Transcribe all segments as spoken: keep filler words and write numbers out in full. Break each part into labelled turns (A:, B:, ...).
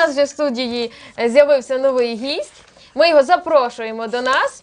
A: нас вже в студії з'явився новий гість. Ми його запрошуємо до нас.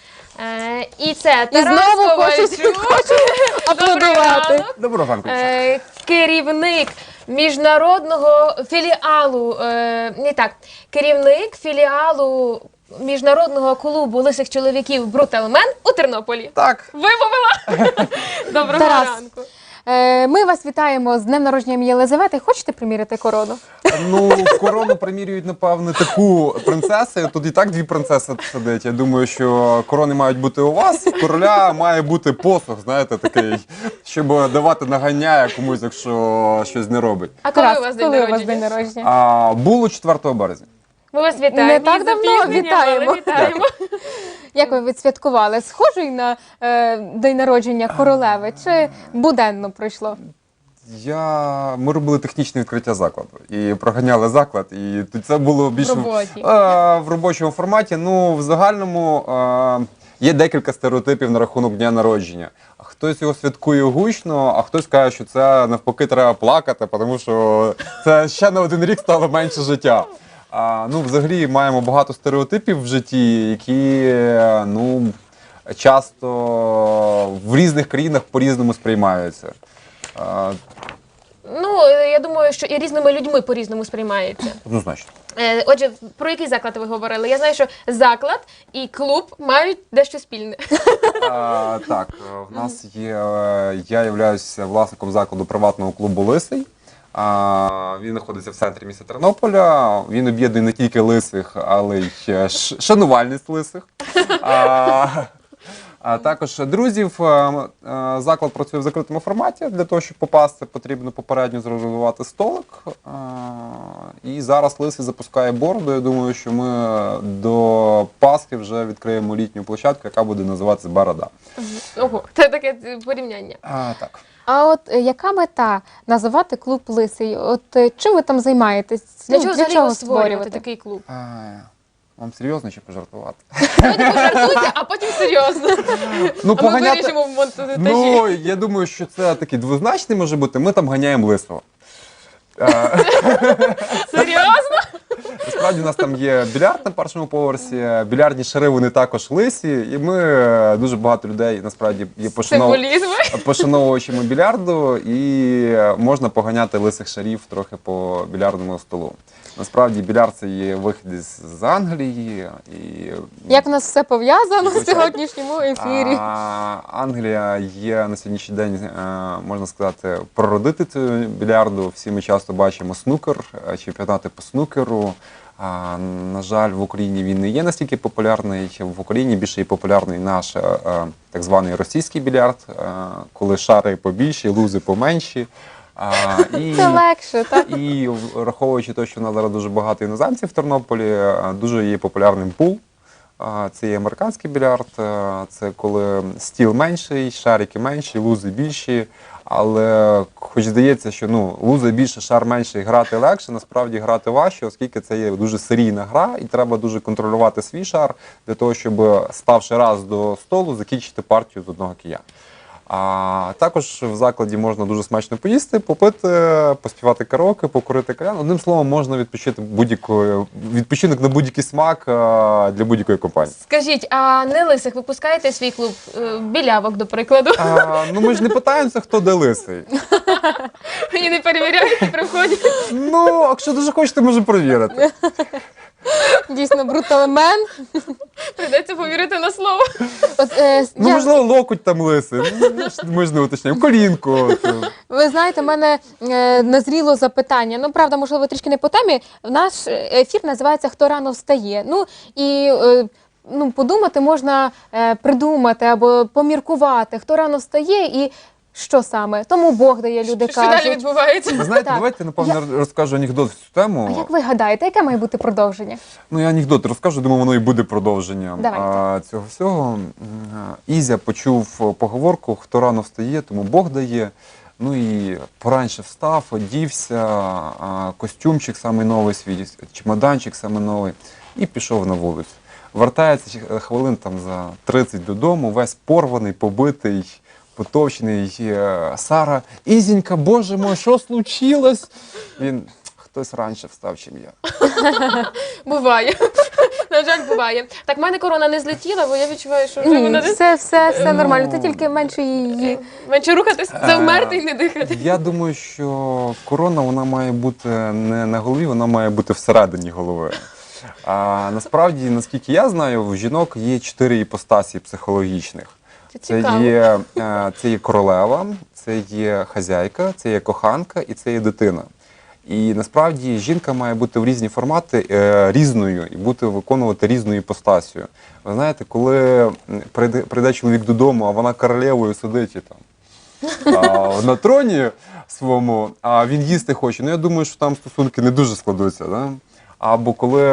A: Е, і це
B: І
A: Тарас
B: знову
A: Ковальчук.
B: хочу аплодувати.
C: Доброго ранку.
A: Е, керівник міжнародного філіалу, е, не так, керівник філіалу міжнародного клубу лисих чоловіків «Бруталмен» у Тернополі.
C: Так.
A: Вимовила? Доброго
B: Тарас.
A: ранку.
B: Е, Ми вас вітаємо з днем народження Єлизавети. Хочете приміряти корону?
C: Ну, корону примірюють, напевне, таку принцесу. Тут і так дві принцеси сидять. Я думаю, що корони мають бути у вас. У короля має бути посох, знаєте, такий, щоб давати наганяя комусь, якщо щось не робить.
A: А коли
B: Тарас,
A: у вас день
B: коли у вас день
A: народження?
B: народження?
C: А, було четвертого березня.
A: Ми вас вітаємо.
B: Не так
A: Із
B: давно
A: запізненням,
B: вітаємо.
A: але вітаємо.
B: Як ви відсвяткували? Схожий на е, день народження королеви чи буденно пройшло?
C: Я... Ми робили технічне відкриття закладу і проганяли заклад, і тут це було більше
B: В роботі.
C: Е, в робочому форматі. Ну, в загальному е, є декілька стереотипів на рахунок дня народження. Хтось його святкує гучно, а хтось каже, що це навпаки треба плакати, тому що це ще на один рік стало менше життя. А, ну, взагалі маємо багато стереотипів в житті, які ну, часто в різних країнах по-різному сприймаються. А,
A: Ну, я думаю, що і різними людьми по-різному сприймається.
C: однозначно.
A: Е, Отже, про який заклад ви говорили? Я знаю, що заклад і клуб мають дещо спільне.
C: А, так, в нас є, е, я являюся власником закладу приватного клубу «Лисий». А, він знаходиться в центрі міста Тернополя. Він об'єднує не тільки лисих, але й ш- шанувальність лисих. А, а також друзів. А, а, Заклад працює в закритому форматі. Для того, щоб попасти, потрібно попередньо зарезервувати столик. А, і зараз Лисий запускає бороду. Я думаю, що ми до Пасхи вже відкриємо літню площадку, яка буде називатися «Борода».
A: Ого, це таке порівняння.
C: А, так.
B: А от е, яка мета називати клуб «Лисий»? От е, чим ви там займаєтесь?
A: Для
B: Ну,
A: чого взагалі його створювати такий клуб?
C: А, вам серйозно чи пожартувати?
A: Давайте пожартуйте, а потім серйозно.
C: Ну,
A: А ми вирішимо в монтажі.
C: Ну, я думаю, що це такий двозначний може бути. Ми там ганяємо лисого. Е,
A: Серйозно?
C: Насправді у нас там є більярд на першому поверсі, більярдні шари вони також лисі, і ми е, дуже багато людей насправді є пошанов...
A: Символізми.
C: пошановувачами більярду, і можна поганяти лисих шарів трохи по більярдному столу. Насправді більярд це є вихід із з Англії. І...
B: Як в нас все пов'язано в
C: Звичайно.
B: сьогоднішньому ефірі?
C: А, Англія є на сьогоднішній день, е, можна сказати, прародительницею більярду. Всі ми часто бачимо снукер, е, чемпіонати по снукеру. А, на жаль, в Україні він не є настільки популярний. В Україні більше є популярний наш е, е, так званий російський більярд, е, коли шари побільші, лузи поменші. А, і...
B: Це легше, так?
C: І враховуючи те, що в нас зараз дуже багато іноземців в Тернополі, е, дуже є популярним пул. Е, Це є американський більярд, е, це коли стіл менший, шарики менші, лузи більші. Але хоч здається, що ну, лузи більше, шар менший, грати легше, насправді грати важче, оскільки це є дуже серійна гра і треба дуже контролювати свій шар для того, щоб, ставши раз до столу, закінчити партію з одного кия. А також в закладі можна дуже смачно поїсти, попити, поспівати караоке, покурити кальян. Одним словом, можна відпочити будь-якою відпочинок на будь-який смак а, для будь-якої компанії.
A: Скажіть, а не лисих ви пускаєте в свій клуб? Е, Білявок, до прикладу.
C: А, ну ми ж не питаємося, хто де лисий.
A: І не перевіряють при вході.
C: Ну, якщо дуже хочете, можемо перевірити.
B: Дійсно, бруталмен.
A: Прийдеться повірити на слово.
B: От, е,
C: Ну,
B: я-
C: можливо, локоть там лисий. Ну, ми ж не уточняємо. Колінку. от.
B: Ви знаєте, в мене е, назріло запитання. Ну, правда, можливо, трішки не по темі. Наш ефір називається «Хто рано встає». Ну, і е, ну, подумати можна е, придумати або поміркувати, хто рано встає і що саме. Тому Бог дає, люди
A: Що далі
B: кажуть.
A: відбувається?
C: Ви знаєте,
B: Так.
C: давайте, напевно, розкажу анекдот в цю тему.
B: А як ви гадаєте, яке має бути продовження?
C: Ну, я анекдот розкажу, думаю, воно і буде продовженням
B: Давайте.
C: а, цього всього. М, Ізя почув поговорку «Хто рано встає, тому Бог дає». Ну і пораньше встав, одівся, а, костюмчик самий новий свій, чемоданчик самий новий, і пішов на вулицю. Вертається ще хвилин там за тридцять додому, весь порваний, побитий, потовчений. Е, Сара: «Ізенька, боже мой, що случилось?» Він: «Хто хтось раніше встав, чим я.
A: Буває. На жаль, буває. Так, в мене корона не злетіла, бо я відчуваю, що вже
B: Ні,
A: вона не
B: все, все, все нормально. Ти тільки менше її.
A: менше рухатись, завмерти і не дихати.
C: Я думаю, що корона вона має бути не на голові, вона має бути всередині голови. А насправді, наскільки я знаю, в жінок є чотири іпостасі психологічних.
A: Це
C: Це
A: цікаво.
C: є, е, це є королева, це є хазяйка, це є коханка і це є дитина. І насправді жінка має бути в різні формати е, різною і бути виконувати різну іпостасію. Ви знаєте, коли м, прийде, прийде чоловік додому, а вона королевою сидить і там а, на троні своєму, а він їсти хоче, ну я думаю, що там стосунки не дуже складуться. Да? Або коли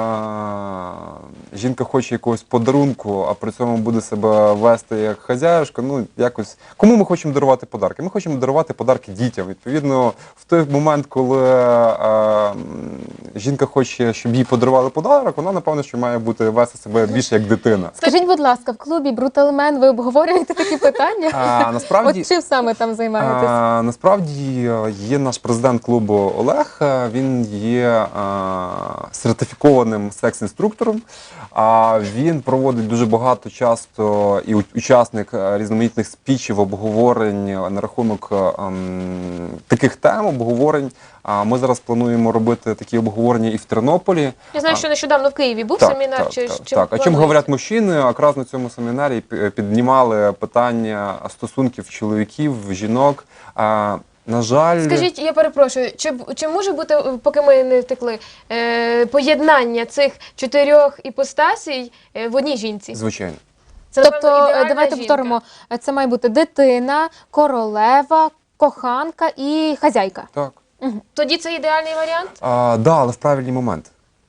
C: а, жінка хоче якогось подарунку, а при цьому буде себе вести як хазяюшка, ну якось. Кому ми хочемо дарувати подарки? Ми хочемо дарувати подарки дітям. Відповідно, в той момент, коли а, жінка хоче, щоб їй подарували подарок, вона, напевно, що має бути вести себе більше як дитина.
B: Скажіть, будь ласка, в клубі Бруталмен ви обговорюєте такі питання?
C: А, насправді,
B: От чим саме там займаєтесь?
C: А, насправді є наш президент клубу Олег. Він є а, сертифікованим секс-інструктором. А він проводить дуже багато часто і у- учасник а, різноманітних спічів, обговорень на рахунок а, м, таких тем, обговорень. А ми зараз плануємо робити такі обговорення і в Тернополі.
A: Я знаю, що нещодавно в Києві був семінар.
C: Так,
A: чи,
C: так,
A: чи
C: так. А чим
A: плануєте?
C: говорять мужчини? Якраз на цьому семінарі пі- піднімали питання стосунків чоловіків, жінок. А, на жаль,
A: Скажіть, я перепрошую, чи, б- чи може бути, поки ми не втекли, е, поєднання цих чотирьох іпостасій е, в одній жінці?
C: звичайно.
A: Це,
B: Тобто,
A: напевно,
B: е,
A: ідеальна
B: давайте
A: жінка.
B: повторимо, е, це має бути дитина, королева, коханка і хазяйка.
C: Так.
A: Тоді це ідеальний варіант?
C: А, да, але в правильний момент.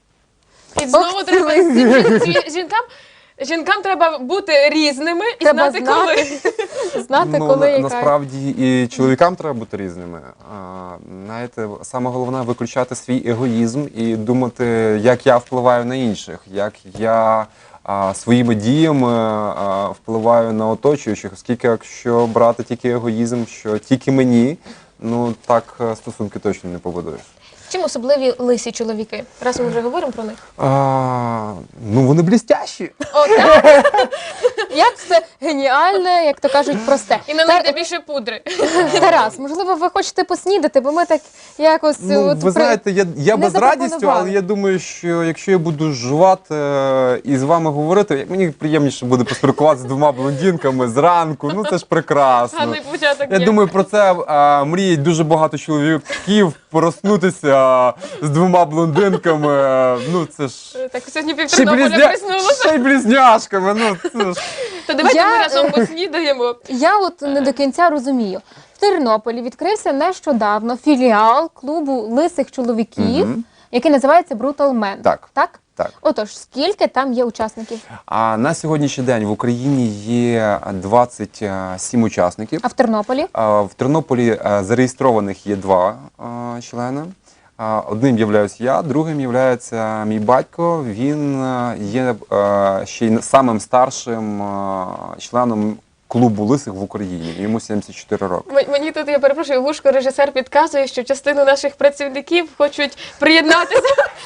A: І знову
B: Ох,
A: треба
B: цілий.
A: жін- жінкам, жінкам треба бути різними і
B: Треба
A: знати,
B: знати,
A: коли.
B: знати,
C: Ну,
B: коли
C: на-
B: яка.
C: насправді і чоловікам треба бути різними. А, знаєте, саме головне виключати свій егоїзм і думати, як я впливаю на інших, як я а, своїми діями а, впливаю на оточуючих, оскільки якщо брати тільки егоїзм, що тільки мені, ну так е, стосунки точно не побудуєш.
A: Чим особливі лисі чоловіки? Раз ми вже говоримо про них.
C: А, ну вони блістящі.
A: О, так?
B: Як все геніальне, як то кажуть, просте.
A: І на них йде більше пудри.
B: Тарас, можливо, ви хочете поснідати, бо ми так якось
C: Ну,
B: от
C: ви
B: при-
C: знаєте, я, я
B: не
C: без радістю,
B: запропонували.
C: але я думаю, що якщо я буду жувати е, і з вами говорити, мені приємніше буде поспілкуватися з двома блондинками зранку. Ну це ж прекрасно.
A: Гарний початок.
C: Я
A: є.
C: думаю, про це е, мріють дуже багато чоловіків проснутися з двома блондинками. е, Ну це ж
A: Так, сьогодні
C: ще й,
A: півтернополя
C: близня...
A: приснулося.
C: ще й близняшками. Ну це ж
A: То давайте
B: Я,
A: ми разом
B: е,
A: поснідаємо.
B: Я от не до кінця розумію. В Тернополі відкрився нещодавно філіал клубу лисих чоловіків,
C: Мгм.
B: який називається Brutal Men.
C: Так.
B: Так?
C: так.
B: Отож, скільки там є учасників?
C: А на сьогоднішній день в Україні є двадцять сім учасників.
B: А в Тернополі?
C: А, В Тернополі е, зареєстрованих є два е, члени. А, Одним являюсь я, другим являється мій батько. Він е, є е, ще й самим старшим е, членом клубу лисих в Україні. Йому сімдесят чотири роки.
A: М- Мені тут, я перепрошую, вушко режисер підказує, що частину наших працівників хочуть приєднатися.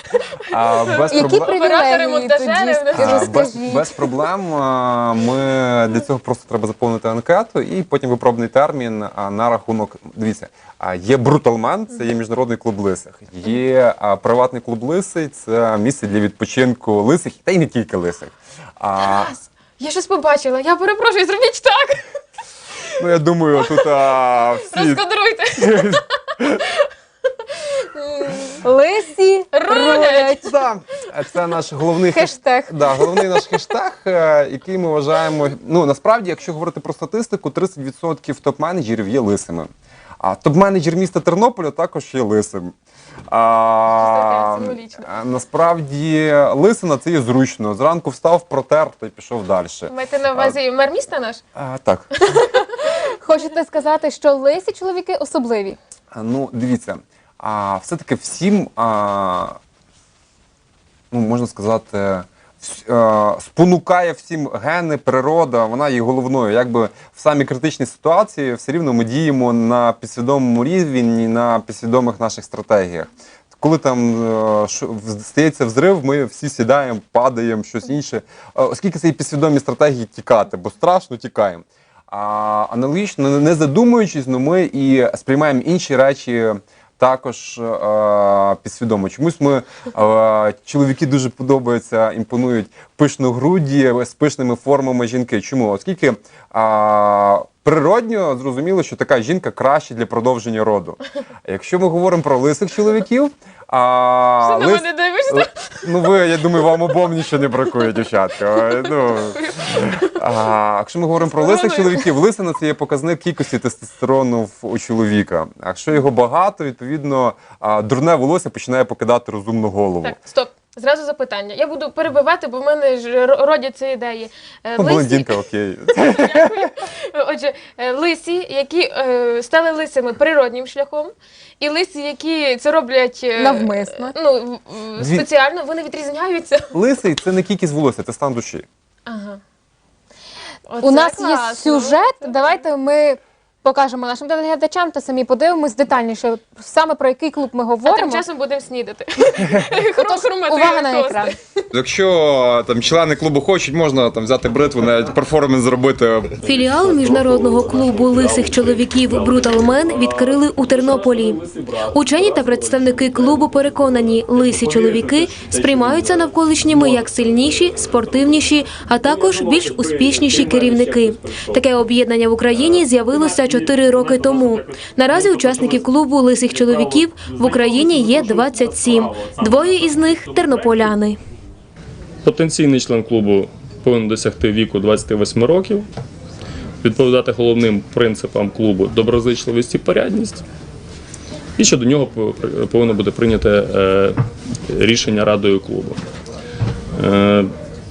C: А, без
B: Які
C: проблем.
A: Оператори,
B: привілегії
A: монтажери,
B: тоді?
A: вони-
C: А, без,
B: Розкажіть.
C: без проблем. А, Ми для цього просто треба заповнити анкету і потім випробний термін а, на рахунок. Дивіться, а, є Бруталмен, це є міжнародний клуб лисих. Є а, приватний клуб лисий, це місце для відпочинку лисих, та й не тільки лисих. А,
A: Я щось побачила, я перепрошую, зробіть так.
C: ну я думаю, тут а, всі.
A: Розкадруйте.
B: Лисі
A: Рулять.
C: Да, це наш головний
B: Хештег.
C: Да, головний наш хештег, е, який ми вважаємо. Ну насправді, якщо говорити про статистику, тридцять відсотків топ-менеджерів є лисими. А топ-менеджер міста Тернополя також є лисим. А,
A: Це символічно.
C: а, насправді лисина це є зручно. Зранку встав, протер та й пішов далі.
A: Маєте на увазі мер міста наш?
C: А, так.
B: Хочете сказати, що лисі чоловіки особливі?
C: А, Ну, дивіться, а все-таки всім, а, ну, можна сказати, вс- а, спонукає всім гени, природа, вона є головною. Якби в самій критичній ситуації все рівно ми діємо на підсвідомому рівні, на підсвідомих наших стратегіях. коли там е, шо- в- стається взрив, ми всі сідаємо, падаємо, щось інше. Е, Оскільки це і підсвідомі стратегії тікати, бо страшно тікаємо. А аналогічно, не задумуючись, ну ми і сприймаємо інші речі також е, підсвідомо. Чомусь ми, е, чоловіки дуже подобаються, імпонують пишногруді з пишними формами жінки. Чому? Оскільки е, природньо зрозуміло, що така жінка краще для продовження роду. А якщо ми говоримо про лисих чоловіків, а,
A: Що на
C: лис-
A: мене дивишся?
C: ну ви, я думаю, вам обом нічого не бракує, дівчатка. Ну, а, якщо ми говоримо про лисих чоловіків, лисина – це є показник кількості тестостерону в- у чоловіка. А якщо його багато, відповідно, а, дурне волосся починає покидати розумну голову.
A: Так, стоп. Зразу запитання. Я буду перебивати, бо в мене ж ро- родяться ідеї. Е,
C: Ну,
A: лисі-
C: блондинка, окей.
A: Отже, е, лисі, які е, стали лисими природнім шляхом, і лисі, які це роблять е,
B: Навмисно.
A: ну, в- в-
C: Дві-
A: спеціально, вони відрізняються.
C: Лисий – це не кількість волосся, це стан душі.
A: Ага.
B: У
A: Оце
B: нас
A: класно.
B: є сюжет. Давайте ми покажемо нашим телеглядачам та самі подивимось детальніше, саме про який клуб ми
A: А
B: говоримо.
A: тим часом будемо снідати.
B: Отож, увага на
A: тости.
B: екран.
C: Якщо там члени клубу хочуть, можна там взяти бритву, навіть перформанс зробити.
D: Філіал міжнародного клубу лисих чоловіків Brutal Men відкрили у Тернополі. Учені та представники клубу переконані, лисі чоловіки сприймаються навколишніми як сильніші, спортивніші, а також більш успішніші керівники. Таке об'єднання в Україні з'явилося чотири роки тому. Наразі учасників клубу лисих чоловіків в Україні є двадцять сім. Двоє із них – тернополяни.
E: Потенційний член клубу повинен досягти віку двадцяти восьми років, відповідати головним принципам клубу доброзичливість і порядність, і що до нього повинно бути прийняте е, рішення радою клубу. Е,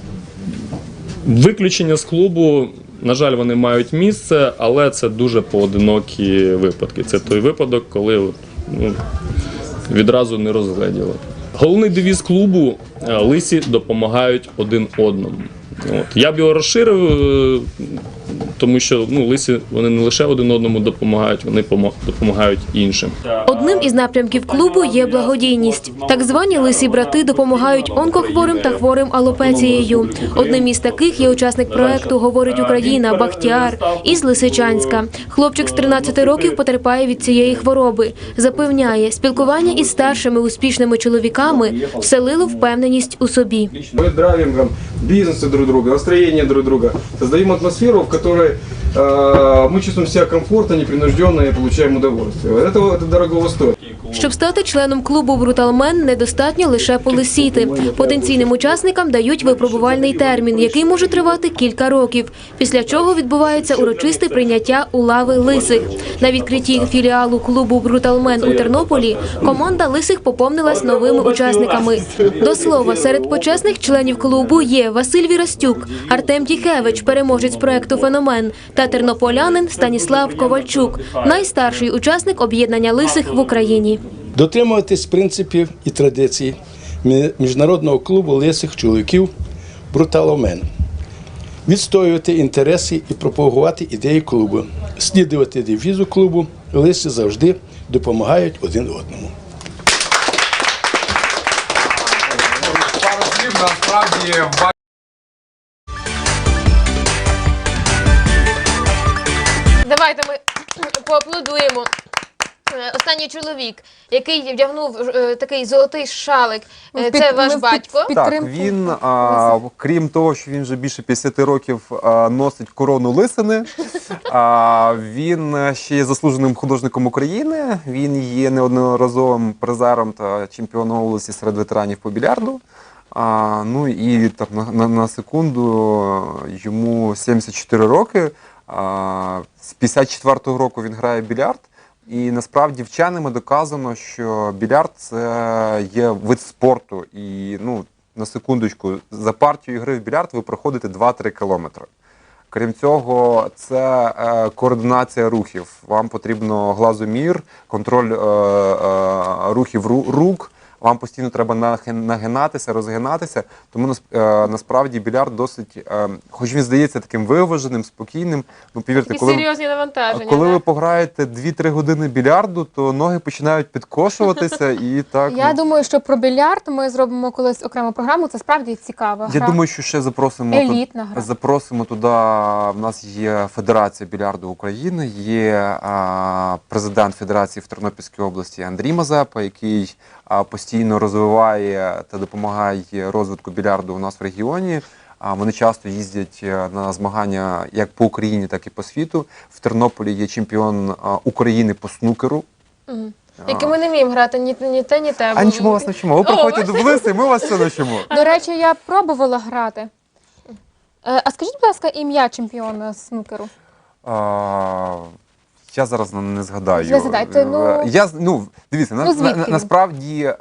E: Виключення з клубу, на жаль, вони мають місце, але це дуже поодинокі випадки. Це той випадок, коли от, ну, відразу не розгледіли. Головний девіз клубу е, лисі допомагають один одному. От. Я б його розширив, е, тому що ну, лисі вони не лише один одному допомагають, вони помо- допомагають іншим.
D: Одним із напрямків клубу є благодійність. Так звані лисі брати допомагають онкохворим та хворим алопецією. Одним із таких є учасник проекту «Говорить Україна» Бахтіар із Лисичанська. Хлопчик з тринадцяти років потерпає від цієї хвороби. Запевняє, спілкування із старшими успішними чоловіками вселило впевненість у собі.
F: Мы драйвингом бизнеса друг друга, настроение друг друга. Создаем атмосферу, в которой э, мы чувствуем себя комфортно, непринужденно и получаем удовольствие. Это, это дорогого стоит.
D: Щоб стати членом клубу Brutal Men, недостатньо лише полисіти. Потенційним учасникам дають випробувальний термін, який може тривати кілька років, після чого відбувається урочисте прийняття у лави лисих. На відкритті філіалу клубу Brutal Men у Тернополі команда лисих поповнилась новими учасниками. До слова, серед почесних членів клубу є Василь Вірастюк, Артем Тіхевич, переможець проекту «Феномен», та тернополянин Станіслав Ковальчук, найстарший учасник об'єднання лисих в Україні.
G: Дотримуватись принципів і традицій Мі- міжнародного клубу лисих чоловіків Brutal Men. Відстоювати інтереси і пропагувати ідеї клубу. Слідувати девізу клубу лиси завжди допомагають один одному.
C: Пару слів, насправді,
A: Давайте ми поаплодуємо. Е, Останній чоловік, який вдягнув е, такий золотий шалик, е,
B: Під-
A: це
B: ми
A: ваш
B: в
A: батько.
B: під-
C: Так,
B: підтримку
C: він, а, крім того, що він вже більше п'ятдесят років а, носить корону лисини, а, він ще є заслуженим художником України, він є неодноразовим призером та чемпіоном області серед ветеранів по більярду. А, ну і так, на, на, на секунду йому сімдесят чотири роки, а, з п'ятдесят четвертого року він грає в більярд. І насправді вченими доказано, що більярд – це є вид спорту. І, ну, на секундочку, за партію гри в більярд ви проходите два-три кілометри. Крім цього, це е, координація рухів. Вам потрібно глазомір, контроль е, е, рухів ру- рук, вам постійно треба нахи- нагинатися, розгинатися. Тому нас- е, насправді більярд досить, е, хоч він здається таким виваженим, спокійним, ну повірте,
A: Такі
C: коли,
A: серйозні навантаження.
C: коли ви
A: так?
C: пограєте дві-три години більярду, то ноги починають підкошуватися і так.
B: Я
C: ну,
B: думаю, що про більярд ми зробимо колись окрему програму. Це справді цікава
C: Я
B: гра.
C: думаю, що ще запросимо
B: Елітна
C: туди,
B: гра.
C: запросимо туди. В нас є Федерація більярду України, є а, президент Федерації в Тернопільській області Андрій Мазепа, який а, постійно розвиває та допомагає розвитку більярду у нас в регіоні. А вони часто їздять е, на змагання як по Україні, так і по світу. В Тернополі є чемпіон а, України по снукеру.
A: Мгм. Які ми не вміємо грати ні, ні те, ні те.
C: А нічого вас навчимо. Ви
A: О,
C: приходьте до Блиси, ми вас все навчимо.
B: До речі, я пробувала грати. Е, А скажіть, будь ласка, ім'я чемпіона з снукеру?
C: А, я зараз не- не згадаю.
B: Не згадайте, ну-
C: Я, з- ну, дивіться, на,
B: Ну, звідки
C: на,
B: він?
C: насправді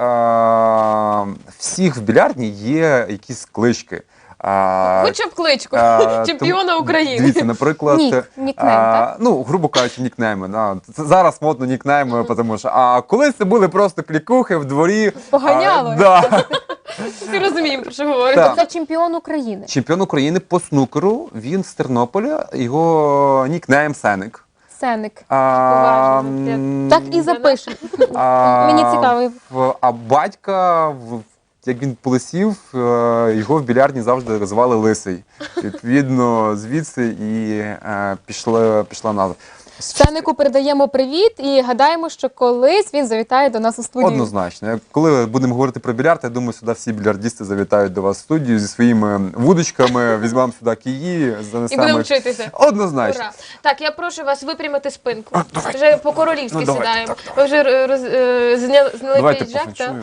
C: а, всіх в білярдні є якісь клички. А,
A: Хоча б кличку.
C: а,
A: Чемпіона
C: тому-
A: України.
C: Дивіться, наприклад,
B: Нік, нікнейм,
C: а,
B: так?
C: ну, грубо кажучи, нікнейми. Да. Це зараз модно нікнейми, тому що а колись це були просто клікухи в дворі.
B: Поганяли.
C: А, да.
A: Всі розуміємо, про що говорите.
C: Так.
B: Це чемпіон України.
C: Чемпіон України по снукеру, він з Тернополя, його нікнейм Сеник.
B: Сеник.
C: А,
A: Уважно.
C: м,
B: Так і запишемо.
C: а,
B: Мені цікаво.
C: в- А батька, в- як він полисів, е, його в білярдні завжди звали Лисий. Відповідно, звідси і е, пішла, пішла назва.
B: Сенику передаємо привіт і гадаємо, що колись він завітає до нас у студію.
C: Однозначно. Як- Коли будемо говорити про більярд, я думаю, сюди всі більярдісти завітають до вас в студію зі своїми вудочками, візьмемо сюди киї,
A: І
C: занесемо.
A: будемо
C: їх.
A: вчитися.
C: Однозначно.
A: Ура. Так, я прошу вас випрямити спинку. Вже по-королівськи
C: Ну, давайте,
A: сідаємо.
C: так,
A: Ви вже е, роз, е, зня- зняли
C: Давайте
A: піджак, так?
C: пофанчуємо.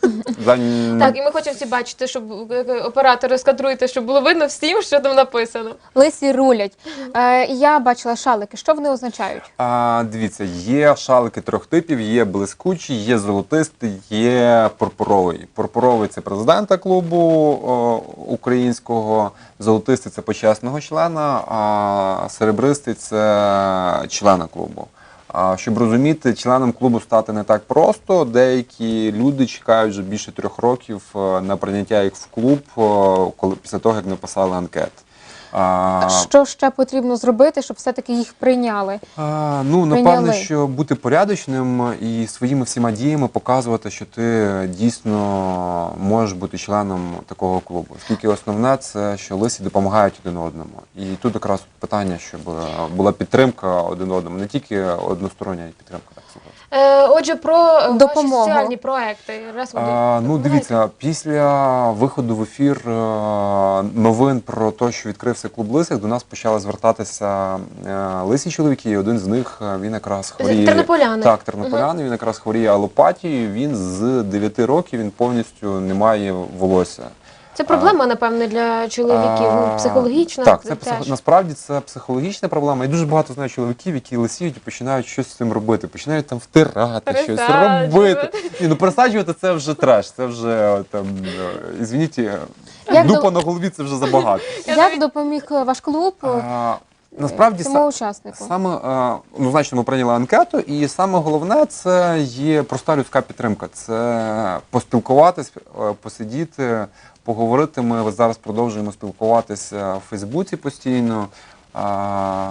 C: За-
A: Так, і ми хочемо всі бачити, щоб е, е, оператори скадруйте, щоб було видно всім, що там написано.
B: Лисі рулять. Е, я бачила шалики. Що вони означають?
C: А, дивіться, є шалики трьох типів, є блискучий, є золотистий, є пурпуровий. Пурпуровий – це президента клубу о, українського, золотистий – це почесного члена, а серебристий – це члена клубу. А, щоб розуміти, членом клубу стати не так просто. Деякі люди чекають вже більше трьох років е, на прийняття їх в клуб, о, коли, після того, як написали анкет. А,
B: Що ще потрібно зробити, щоб все-таки їх прийняли?
C: А, ну,
B: Прийняли.
C: напевно, що бути порядочним і своїми всіма діями показувати, що ти дійсно можеш бути членом такого клубу. Оскільки основне це, що лисі допомагають один одному. І тут якраз питання, щоб була підтримка один одному, не тільки одностороння підтримка. Так сказати.
A: Е, отже, про е, ваші
B: Допомогу.
A: соціальні проекти. Раз ви
C: А, ну,
A: допомагаєте.
C: дивіться, після виходу в ефір е, новин про те, що відкрився клуб лисих, до нас почали звертатися е, лисі чоловіки, і один з них, е, він якраз хворіє.
A: Тернополяни.
C: Так, тернополяни, він якраз хворіє алопатією, він з дев'яти років, він повністю не має волосся.
A: Це проблема, напевне, для чоловіків, ну,
C: А,
A: психологічна.
C: Так, це
A: теж.
C: психо... насправді це психологічна проблема. І дуже багато знаю чоловіків, які лисіють і починають щось з цим робити. Починають там втирати, щось
A: Пересаджувати.
C: робити. Ні, ну пересаджувати це вже треш. Це вже там, е, ізвініть, е,
B: Як
C: дупа
B: до-
C: на голові це вже забагато.
B: Як допоміг ваш клуб
C: А, насправді
B: цьому
C: са-
B: учаснику?
C: саме е, ну, значно, ми прийняли анкету, і саме головне це є проста людська підтримка. Це поспілкуватись, е, посидіти, поговорити. Ми ось зараз продовжуємо спілкуватися в Фейсбуці постійно. А,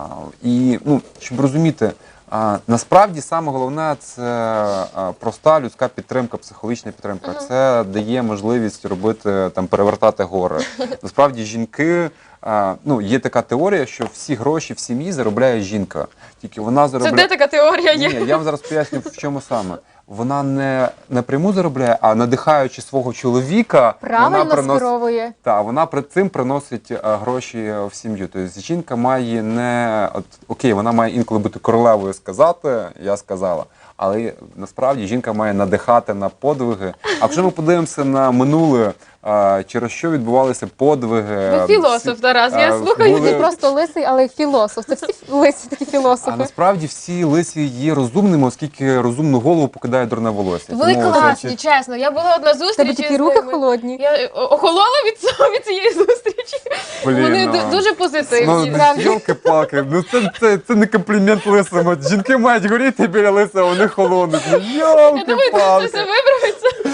C: і ну, щоб розуміти, а, насправді саме головне це а, проста людська підтримка, психологічна підтримка. Це дає можливість робити там перевертати гори. Насправді жінки. А, ну, є така теорія, що всі гроші в сім'ї заробляє жінка. Тільки вона
A: Це
C: заробляє.
A: де така теорія є?
C: Ні, я вам зараз поясню, в чому саме. Вона не напряму заробляє, а надихаючи свого чоловіка,
B: Правильно
C: вона приносить.
B: скеровує.
C: Так, вона при цим приносить е, гроші в сім'ю. Тобто жінка має не от окей, вона має інколи бути королевою сказати, я сказала. Але насправді жінка має надихати на подвиги. А якщо ми подивимося на минуле, е, через що відбувалися подвиги.
A: Ви філософ,
C: всі-
A: Тарас, я
C: е,
A: слухаю.
C: були-
B: Не просто лисий, але й філософ. Це всі лисі такі
C: А
B: філософи.
C: насправді всі лисі є розумними, оскільки розумну голову покидає дурне волосся.
A: Ви
C: Тому
A: класні,
C: це-
A: чесно. Я була одна
B: В тебе
A: зустріч.
B: такі
A: із
B: руки
A: ними.
B: холодні.
A: Я е, о- охолола від цього від цієї зустрічі.
C: Блін,
A: Вони
C: ну.
A: ду- дуже позитивні.
C: Ну,
A: справді.
C: йолки-палки, ну це, це, це не комплімент лисому. Жінки мають горіти біля лиса, а вони холодні. Ну,
A: Я думаю, це
C: йолки-палки.
A: все виправиться.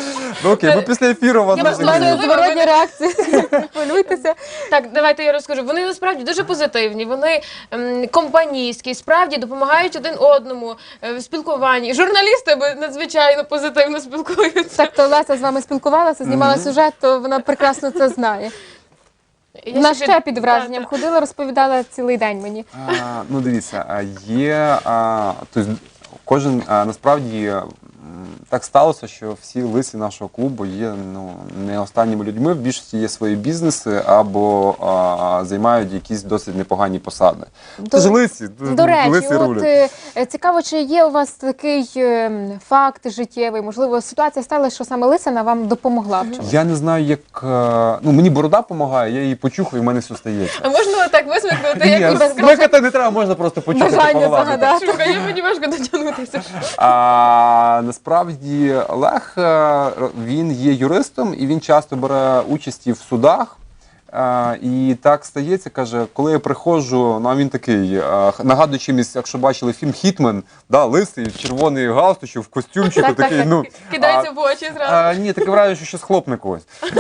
C: Ну окей, ми після ефіру вас
A: Я
B: У
A: вас
C: розіграємо.
B: мене
A: Можливо,
B: зворотні
A: ви-
B: реакції. Не хвилюйтеся.
A: Так, давайте я розкажу. Вони насправді дуже позитивні, вони ем, компанійські, справді допомагають один одному е, в спілкуванні. Журналісти б надзвичайно позитивно спілкуються.
B: Так, то Леся з вами спілкувалася, знімала сюжет, то вона прекрасно це знає.
A: Я
B: Вона
A: ще
B: ще
A: під-
B: під враженням
A: так,
B: ходила, розповідала цілий день мені.
C: А, ну дивіться, а, є а, тобто, кожен а, насправді м, так сталося, що всі лисі нашого клубу є ну не останніми людьми. В більшості є свої бізнеси або а, займають якісь досить непогані посади.
B: До-
C: Це ж лисі,
B: До речі,
C: лисі
B: от
C: рулять.
B: е, е, цікаво, чи є у вас такий е, факт життєвий, можливо, ситуація сталася, що саме Лисина вам допомогла в чомусь?
C: Я не знаю, як е, ну мені борода допомагає, я її почухаю, і в мене все стається.
A: А можна так висмикнути,
C: Ні,
A: як у
C: смикати не треба, можна просто почухати.
B: Бажання
C: погладити.
B: загадати.
A: Шукає, мені важко дотягнутися.
C: А, насправді Олег е, він є юристом і він часто бере участь в судах. А, і так стається, каже, коли я приходжу, ну а він такий, а, нагадує чимось, якщо бачили фільм Хітмен, да, лисий, червоний галстучок, в костюмчику,
B: Так, так,
C: такий,
B: так.
C: ну.
A: Кидається в очі зразу.
C: А, ні, таке враження, що щось хлопне когось.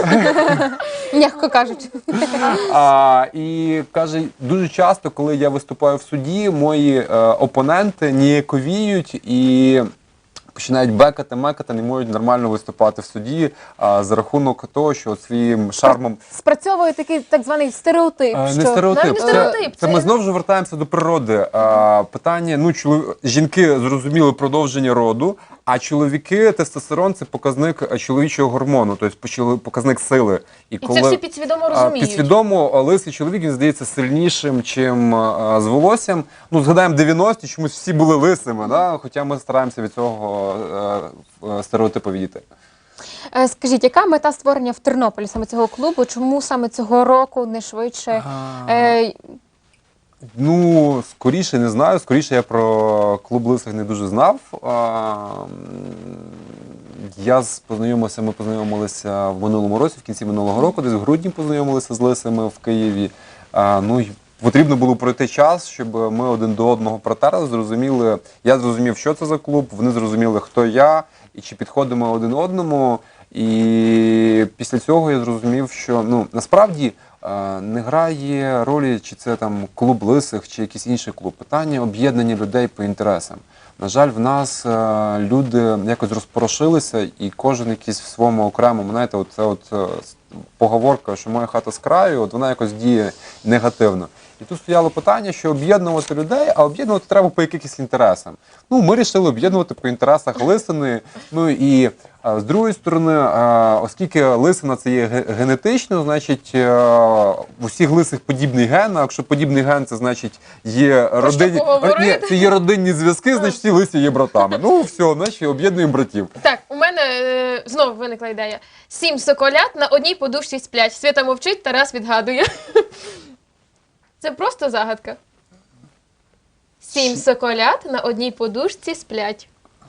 B: М'яко кажучи.
C: А, і каже, дуже часто, коли я виступаю в суді, мої е, опоненти ніяковіють і починають бекати, мекати, не можуть нормально виступати в суді а, за рахунок того, що своїм шармом.
B: Спрацьовує такий так званий стереотип,
C: Е,
B: що
C: Не стереотип.
A: навіть не
C: Це,
A: стереотип,
C: це
A: це-
C: ми знову ж вертаємося до природи. А, питання, ну, чолов... жінки зрозуміли продовження роду, а чоловіки, тестостерон це показник чоловічого гормону, тобто почали- показник сили.
A: І це всі підсвідомо
C: А,
A: розуміють.
C: Підсвідомо а, лисий чоловік, він здається сильнішим, чим а, з волоссям. Ну, згадаємо дев'яності, чомусь всі були лисими, да? Хоча ми стараємося від цього а, а, стереотипу відійти.
B: Е, скажіть, яка мета створення в Тернополі саме цього клубу? Чому саме цього року не швидше? Е,
C: Ну, скоріше не знаю. Скоріше я про клуб лисих не дуже знав. А, м, Я з- познайомився, ми познайомилися в минулому році, в кінці минулого року, десь в грудні познайомилися з лисими в Києві. А, ну, й потрібно було пройти час, щоб ми один до одного протерли, зрозуміли. Я зрозумів, що це за клуб, вони зрозуміли, хто я і чи підходимо один одному. І після цього я зрозумів, що ну насправді е, не грає ролі, чи це там клуб лисих, чи якийсь інший клуб. Питання об'єднання людей по інтересам. На жаль, в нас е, люди якось розпорошилися, і кожен якийсь в своєму окремому, знаєте, от це от е, с- поговорка, що моя хата з краю, от вона якось діє негативно. І тут стояло питання, що об'єднувати людей, а об'єднувати треба по якихось інтересам. Ну, ми вирішили об'єднувати по інтересах лисини. Ну і а, з другої сторони, а, оскільки лисина це є ге- генетично, значить е, в усіх лисих подібний ген. А якщо подібний ген, це значить є родинні
A: поговорити?
C: Ні, це є родинні зв'язки, значить всі лисі є братами. Ну все, значить об'єднуємо братів.
A: Так, у мене е, знову виникла ідея. Сім соколят на одній подушці сплять. Свята мовчить, Тарас відгадує. Це просто загадка. Сім соколят на одній подушці сплять.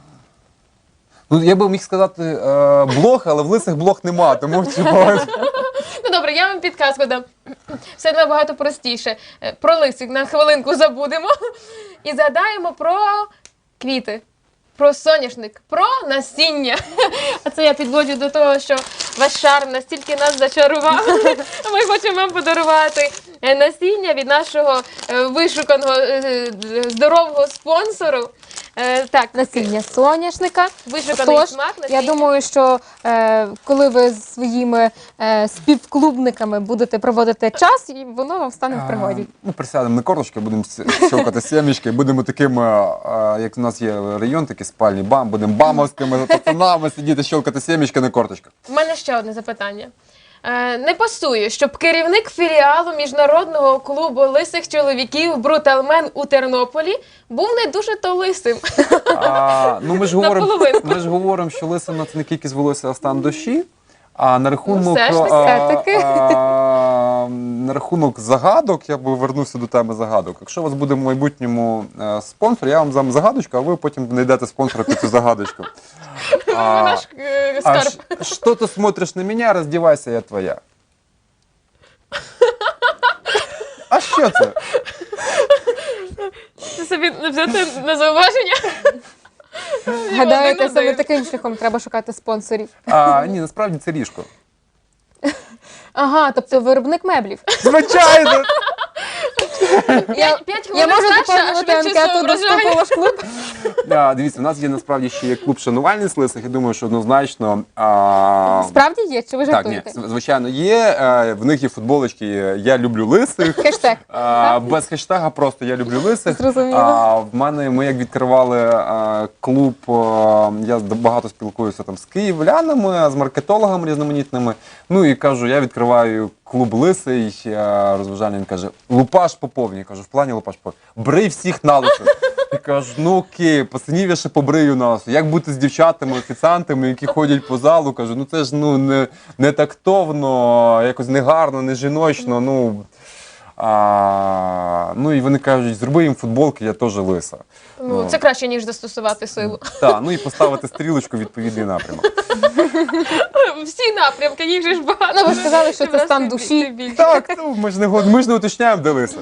C: Ну я би міг сказати е, блох, але в лисих блох нема, тому типу,
A: Ну добре, я вам підказку дам. Все набагато простіше. Е, Про лисик на хвилинку забудемо і згадаємо про квіти, про соняшник, про насіння. А це я підводжу до того, що ваш шарм настільки нас зачарував. Ми хочемо вам подарувати е, насіння від нашого е, вишуканого е, здорового спонсору. Е, Так,
B: насіння соняшника.
A: вишуканий
B: Тож,
A: смак
B: я
A: насіння.
B: думаю, що е, коли ви з своїми е, співклубниками будете проводити час, і воно вам стане в пригоді.
C: Ми присядемо на корточки, будемо сі- щелкати сімечки, будемо такими, а, як у нас є район, такий спальний бам, будемо бамовськими пацанами сидіти, щелкати сімечки на корточках.
A: У мене ще одне запитання. Е, Не пасує, щоб керівник філіалу міжнародного клубу лисих чоловіків Бруталмен у Тернополі був не дуже то лисим.
C: А, ну, ми ж говоримо,
A: Наполовинку.
C: ми ж говоримо, що лисина це не кількість волосся, а стан душі. А на рахунок,
A: Ну, все ж таки.
C: а,
B: Все-таки.
C: а, на рахунок загадок, я би вернувся до теми загадок. Якщо у вас буде в майбутньому е, спонсор, я вам дам загадочку, а ви потім знайдете спонсора під цю загадочку. А,
A: Наш е,
C: а
A: скарб.
C: ш- что ты смотришь на меня, раздевайся, я твоя. А що це?
A: Це собі взяти на зауваження.
B: Гадаєте,
A: один
B: саме
A: один.
B: таким шляхом треба шукати спонсорів.
C: А, ні, насправді це ліжко.
B: Ага, тобто виробник меблів.
C: Звичайно!
B: Я,
A: П'ять
B: я
A: хвилин
B: можу
A: старша, а
B: доповнювати
A: швидше
B: анкету до
A: соображає.
B: вступу в ваш клуб.
C: А, дивіться, у нас є насправді ще є клуб шанувальниць лисих. Я думаю, що однозначно. А...
B: Справді є, чи ви
C: Так, ні,
B: жартуєте?
C: звичайно, є. Е, В них є футболочки «Я люблю лисих».
B: Хештег.
C: А, без хештега просто «Я люблю лисих».
B: Зрозуміло.
C: А, в мене, ми як відкривали а, клуб, а, я багато спілкуюся там з київлянами, з маркетологами різноманітними. Ну і кажу, я відкриваю клуб лисий, а, розважальний. Він каже, лупаш поповнює. Я кажу, в плані лупаш поповнює. Брий всіх на лисо. Я кажу, ну окей, пацанів я ще побрию на лисо. Як бути з дівчатами, офіціантами, які ходять по залу? Кажу, ну це ж ну, не, не тактовно, якось негарно, не жіночно. Ну, а, ну і вони кажуть, зроби їм футболки, я теж лиса.
A: Ну, це краще, ніж застосувати силу.
C: Так, ну і поставити стрілочку в відповідний напрямок.
A: Всі напрямки, їх же ж багато.
B: Ну, ви ж сказали, що
A: Ти
B: це
A: в нас
B: стан
A: ти-
B: душі.
A: ти більше.
C: Так, ну ми ж не, го- ми ж не уточняємо, де лиса.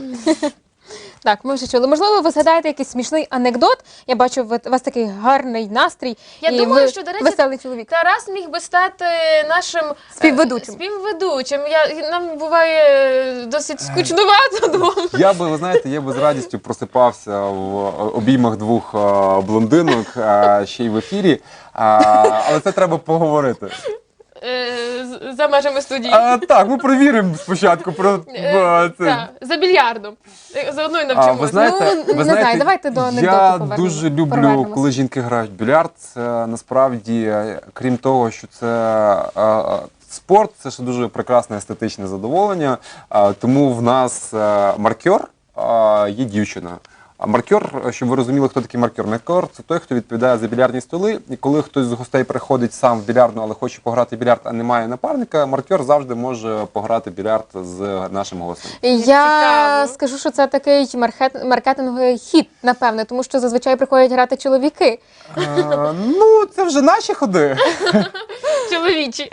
B: Так, ми вже чули. Можливо, ви згадаєте якийсь смішний анекдот. Я бачу, ви- у вас такий гарний настрій.
A: Я
B: і
A: думаю,
B: ви
A: що, до речі,
B: веселий чоловік.
A: Тарас міг би стати нашим е,
B: Співведучим.
A: співведучим. Я, нам буває е, досить скучнувато двом.
C: Я би, ви знаєте, я би з радістю просипався в обіймах двох а, блондинок а, ще й в ефірі, а, але це треба поговорити.
A: Е, з- За межами студії.
C: А, так, ми перевіримо спочатку про
A: Е,
C: а, це.
A: так, за більярдом. Е, Заодно й
C: А,
A: навчимося.
C: ви знаєте,
B: Ну,
C: ви
B: не
C: знаєте,
B: знаю, давайте до анекдоту
C: я
B: повернемо-
C: дуже люблю,
B: повернемось.
C: коли жінки грають в більярд. Це насправді, е, крім того, що це е, е, спорт, це ще дуже прекрасне естетичне задоволення. Е, Тому в нас е, маркер е, є дівчина. А маркер, щоб ви розуміли, хто такий маркер. Маркер – це той, хто відповідає за більярдні столи. І коли хтось з гостей приходить сам в більярдну, але хоче пограти в більярд, а немає напарника, маркер завжди може пограти в більярд з нашим гостем.
B: Я
A: Цікаво.
B: скажу, що це такий маркет- маркетинговий хід, напевне, тому що зазвичай приходять грати чоловіки.
C: Е, Ну, це вже наші ходи.
A: Чоловічі.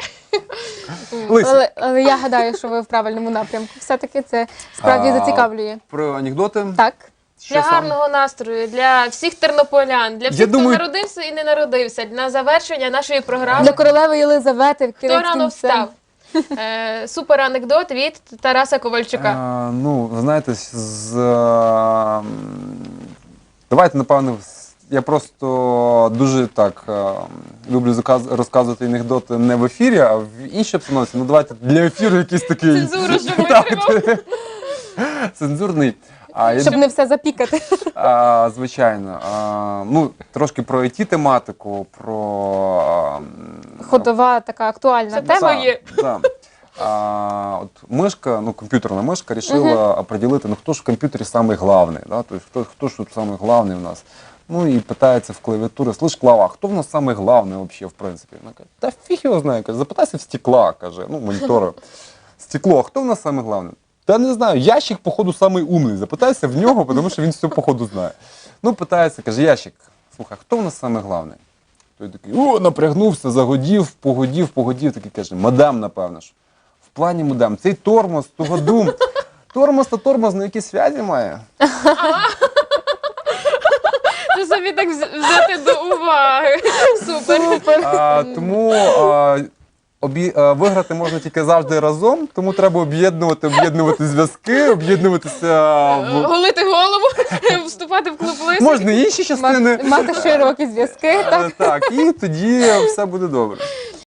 C: Лисі.
B: Але, але я гадаю, що ви в правильному напрямку. Все-таки це справді
C: А,
B: зацікавлює.
C: Про анекдоти.
B: Так.
C: Що
A: Для
C: саме?
A: гарного настрою, для всіх тернополян, для всіх,
C: Я
A: хто
C: думаю-
A: народився і не народився, на завершення нашої програми.
B: Для королеви Єлизавети
A: Хто
B: кінець
A: рано
B: кінцем.
A: встав? Е, Супер анекдот від Тараса Ковальчука.
C: Е, ну, ви знаєте, з, е, м, давайте, напевно, з- я просто дуже так е, люблю заказ- розказувати анекдоти не в ефірі, а в іншій обстановці. Ну, давайте для ефіру якийсь такий
A: Цензуру, щоб витримав.
C: цензурний. А, я
B: Щоб не все запікати.
C: А, звичайно. А, ну, трошки про ай ті-тематику, про... а, м,
B: Ходова така актуальна
A: Це
B: тема.
A: тема.
C: да,
A: є.
C: да. А, от мишка, ну, комп'ютерна мишка рішила определити, ну, хто ж в комп'ютері самий главний, да? Тобто, хто, хто ж тут самий главний у нас. Ну, і питається в клавіатурі, слиш, Клава, а хто в нас самий главний взагалі, в принципі? Вона каже, та фіг його знає, каже, запитайся в стекла, каже, ну, монітора. Стекло, а хто в нас самий главний? Та не знаю, ящик, походу, самий умний. Запитайся в нього, тому що він все, походу, знає. Ну, питається, каже, ящик, слухай, хто в нас самий главний? Той такий, о, напрягнувся, загодів, погодів, погодів, такий каже, мадам, напевно ж. В плані мадам, цей тормоз, тугодум. Тормоз та тормоз на які зв'язі має?
A: Це собі так вз- взяти до уваги. Супер.
C: А, тому а, обі, а, виграти можна тільки завжди разом, тому треба об'єднувати, об'єднувати зв'язки, об'єднуватися. В...
A: Голити голову, вступати в клуб лисих.
C: Можна і інші частини.
B: Мати широкі зв'язки.
C: Е, Так, і тоді все буде добре.